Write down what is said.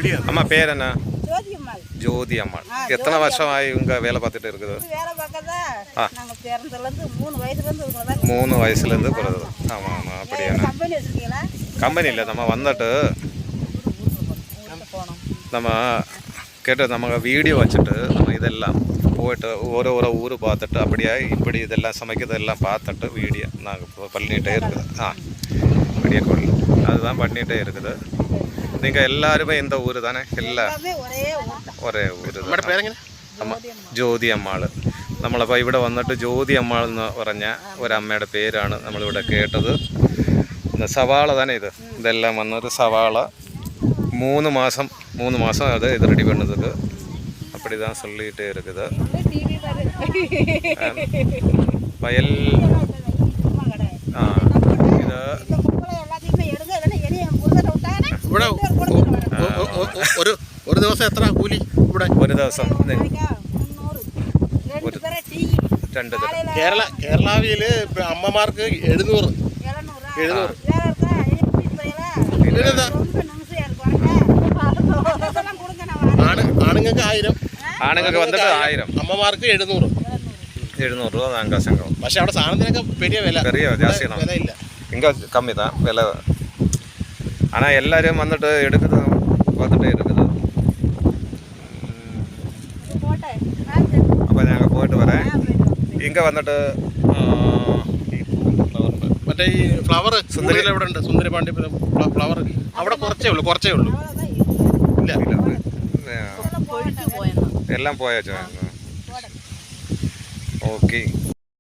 அம்மா பேர் என்ன? ஜோதி அம்மாள். எத்தனை வருஷமாயி உங்க வேலை பார்த்துட்டு இருக்குது? 3 வயசுலேருந்து பிறகு. ஆமாம் ஆமாம். அப்படியா? கம்பெனி இல்லை, நம்ம வந்துட்டு நம்ம கேட்டு நம்ம வீடியோ வச்சுட்டு நம்ம இதெல்லாம் போய்ட்டு ஒரு ஊர் பார்த்துட்டு அப்படியே இப்படி இதெல்லாம் சமைக்கிறதெல்லாம் பார்த்துட்டு வீடியோ நாங்கள் இப்போ பண்ணிகிட்டே இருக்குது. வீடியோ கால் அதுதான் பண்ணிகிட்டே இருக்குது. நீங்கள் எல்லாருமே இந்த ஊர் தானே? ഒരേ ഊര്. ആമാം, ജ്യോതി അമ്മാൾ. നമ്മളിപ്പോൾ ഇവിടെ വന്നിട്ട് ജ്യോതി അമ്മാൾ എന്ന് പറഞ്ഞ ഒരമ്മയുടെ പേരാണ് നമ്മളിവിടെ കേട്ടത്. സവാള തന്നെ ഇതെല്ലാം വന്നത് സവാള 3 மாதம் அது இது ரெடி பண்ணதுக்கு. அப்படி தான் சொல்லிகிட்டே இருக்குது. வயல் இது ഒരു ദിവസം എത്ര കൂലി ഇവിടെ? ഒരു ദിവസം 2 കേരളാവിൽ അമ്മമാർക്ക് 700 ആണുങ്ങൾക്ക് 1000. ആണുങ്ങൾക്ക് വന്നിട്ട് 1000, അമ്മമാർക്ക് 700 രൂപ താങ്ക സംഘം. പക്ഷെ അവിടെ സാധനത്തിനൊക്കെ പെரிய വില ജാസ്തി വിലയില്ല. இங்கே கம்மி தான் விலை. ஆனால் எல்லோரும் வந்துட்டு எடுக்குது பார்த்துட்டே இருக்குது. അപ്പോൾ ഞങ്ങൾ പോയിട്ട് വരാം. ഇங்கே വന്നിട്ട് മറ്റേ ഈ ഫ്ലവർ സുന്ദരി എവിടെ ഉണ്ട്? സുന്ദരി പാണ്ഡ്യ ഫ്ലവർ അവിടെ കുറച്ചേ ഉള്ളൂ. ഇല്ല എല്ലാം പോയാച്ചോ? ഓക്കെ.